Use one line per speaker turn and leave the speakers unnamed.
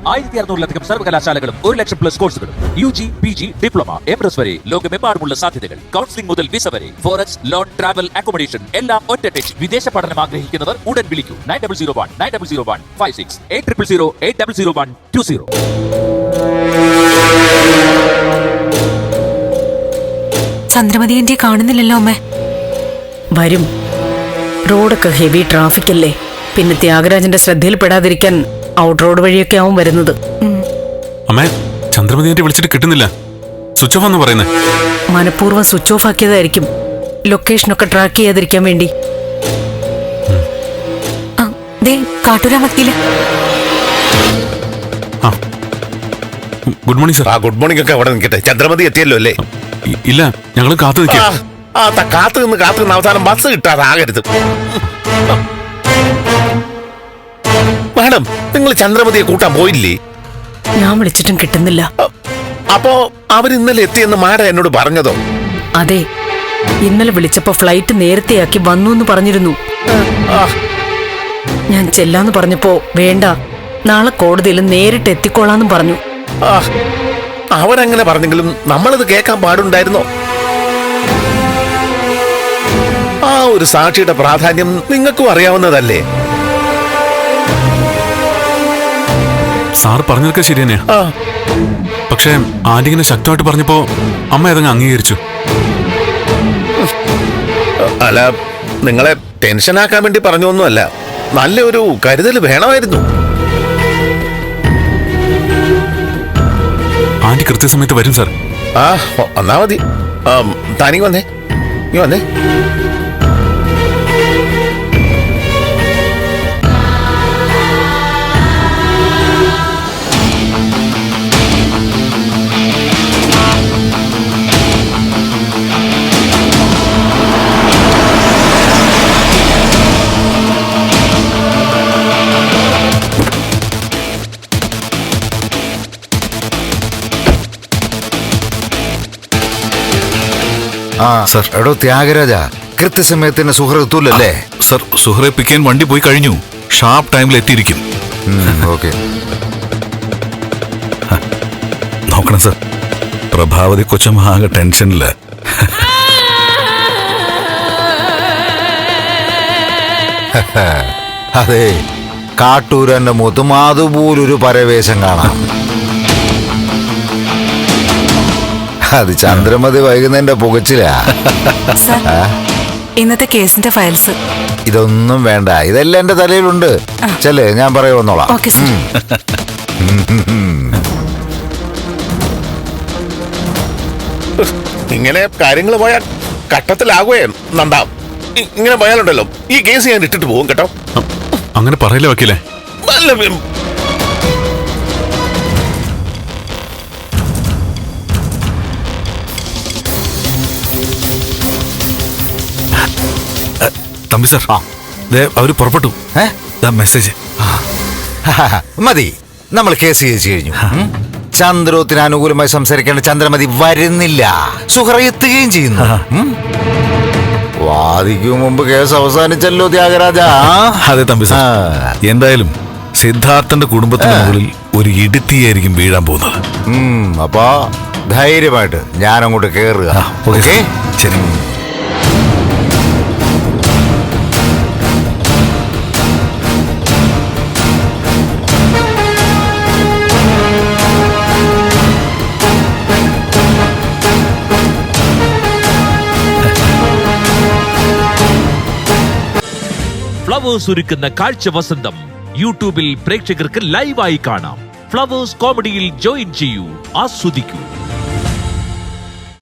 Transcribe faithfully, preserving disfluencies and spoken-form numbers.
ആയിരത്തി അറുന്നൂറിലധികം സർവകലാശാലകളും ഒരു ലക്ഷം പ്ലസ് കോഴ്സുകളും U G P G diploma M S വരെ ലോകമെമ്പാടുമുള്ള സാധ്യതകൾ. കൗൺസിലിംഗ് മുതൽ വിസ വരെ ഫോറക്സ് ലോൺ ട്രാവൽ അക്കോമഡേഷൻ എല്ലാം ഒറ്റ ടച്ച്. വിദേശ പഠനം ആഗ്രഹിക്കുന്നവർ ഉടൻ വിളിക്കൂ nine double zero one nine double zero one five six eight triple zero eight double zero one two zero.
Chandramati എന്റെ കാണുന്നില്ലല്ലോ അമ്മേ.
വരും. റോഡൊക്കെ ഹെവി ട്രാഫിക് അല്ലേ, പിന്നെ ത്യാഗരാജന്റെ ശ്രദ്ധയിൽപ്പെടാതിരിക്കാൻ ഔട്ട് റോഡ് വഴിയൊക്കെ ആവും വരുന്നത്.
അമ്മേ, ചന്ദ്രമതി എന്നെ വിളിച്ചിട്ട് കിട്ടുന്നില്ല. സ്വിച്ച് ഓഫ് എന്ന് പറയുന്നത്
മനഃപൂർവ്വം സ്വിച്ച് ഓഫ് ആക്കിയതായിരിക്കും, ലൊക്കേഷനൊക്കെ ട്രാക്ക് ചെയ്യാതിരിക്കാൻ വേണ്ടി.
കാട്ടൂരാ വക്കീല്.
Good morning sir.
ആ ഗുഡ് മോർണിംഗ് ഒക്കെ അവിടെ നിൽക്കട്ടെ. ചന്ദ്രമതി എത്തിയല്ലോ അല്ലേ?
ഇല്ല, ഞങ്ങൾ കാത്തു നിൽക്കാം.
ആ കാത്തു നിന്ന് കാത്തു നിന്ന് അവസാനം ബസ് കിട്ടാതാകരുത്. മാഡം, നിങ്ങൾ ചന്ദ്രമതിയെ കൂട്ടാൻ പോയില്ലേ?
ഞാൻ വിളിച്ചിട്ടും കിട്ടുന്നില്ല.
അപ്പോ അവർ ഇന്നലെ എത്തിയെന്ന് മാഡം എന്നോട് പറഞ്ഞതോ?
അതെ, ഇന്നലെ വിളിച്ചപ്പോ ഫ്ലൈറ്റ് നേരത്തെയാക്കി വന്നു എന്ന് പറഞ്ഞിരുന്നു. ഞാൻ ചെല്ലാന്ന് പറഞ്ഞപ്പോ വേണ്ട, നാളെ കോടതിയിൽ നേരിട്ട് എത്തിക്കോളാന്നും പറഞ്ഞു.
അവരങ്ങനെ പറഞ്ഞെങ്കിലും നമ്മളത് കേൾക്കാൻ പാടുണ്ടായിരുന്നോ? ആ ഒരു സാക്ഷിയുടെ പ്രാധാന്യം നിങ്ങൾക്കും അറിയാവുന്നതല്ലേ?
സാർ പറഞ്ഞതൊക്കെ ശരി തന്നെയാ. പക്ഷേ ആന്റിങ്ങനെ ശക്തമായിട്ട് പറഞ്ഞപ്പോ അമ്മ അതങ്ങ് അംഗീകരിച്ചു.
അല്ല, നിങ്ങളെ ടെൻഷനാക്കാൻ വേണ്ടി പറഞ്ഞൊന്നുമല്ല, നല്ലൊരു കരുതൽ വേണമായിരുന്നു.
ആന്റി കൃത്യസമയത്ത് വരും സാർ.
ആ വന്നാ മതി. താനീ വന്നേ, നീ വന്നേ.
ആ സർ. എടോ ത്യാഗരാജ, കൃത്യസമയത്തിന് സുഹൃത്ത് എത്തൂലല്ലേ?
സർ, സുഹൃത്തെ പിക്കാൻ വണ്ടി പോയി കഴിഞ്ഞു. ഷാർപ്പ് ടൈമിൽ എത്തിയിരിക്കും.
ഓക്കെ.
നോക്കണം സർ, പ്രഭാവതി കൊച്ചമ്മ ആകെ ടെൻഷനില്.
അതെ, കാട്ടൂരന്റെ മുഖത്തും അതുപോലൊരു പരവേശം കാണാം. അത് ചന്ദ്രമതി വൈകുന്നതിന്റെ പുകച്ചിലാ.
ഇന്നത്തെ കേസിന്റെ ഫയൽസ്.
ഇതൊന്നും വേണ്ട, ഇതെല്ലാം എന്റെ തലയിലുണ്ട്. ചെല്ലേ, ഞാൻ പറയുന്നോളാം.
ഇങ്ങനെ കാര്യങ്ങൾ പോയാൽ കട്ടത്തിലാകുകയും നന്ദാ. ഇങ്ങനെ പോയാലുണ്ടല്ലോ ഈ കേസ് ഞാൻ ഇട്ടിട്ട് പോകും കേട്ടോ.
അങ്ങനെ പറയില്ല വക്കീലേ.
തമ്പി സാർ, അവര് പുറപ്പെട്ടു. മെസ്സേജ്
മതി, നമ്മൾ കേസ് ചെയ്യിച്ചു കഴിഞ്ഞു. ചന്ദ്രോത്തിന് അനുകൂലമായി സംസാരിക്കേണ്ട ചന്ദ്രമതി വരുന്നില്ല, സുഹറ എത്തുകയും ചെയ്യുന്നു. വാദിക്കും മുമ്പ് കേസ് അവസാനിച്ചല്ലോ ത്യാഗരാജ.
അതെ തമ്പി സാർ, എന്തായാലും സിദ്ധാർത്ഥന്റെ കുടുംബത്തിന് മുകളിൽ ഒരു ഇടുത്തിയായിരിക്കും വീഴാൻ പോകുന്നത്.
അപ്പൊ ധൈര്യമായിട്ട് ഞാൻ അങ്ങോട്ട് കേറുക. ഓക്കെ,
ശരി.
ഫ്ലവേഴ്സ് ഒരുക്കുന്ന കാഴ്ച വസന്തം യൂട്യൂബിൽ പ്രേക്ഷകർക്ക് ലൈവായി കാണാം. ഫ്ലവേഴ്സ് കോമഡിയിൽ ജോയിൻ ചെയ്യൂ, ആസ്വദിക്കൂ.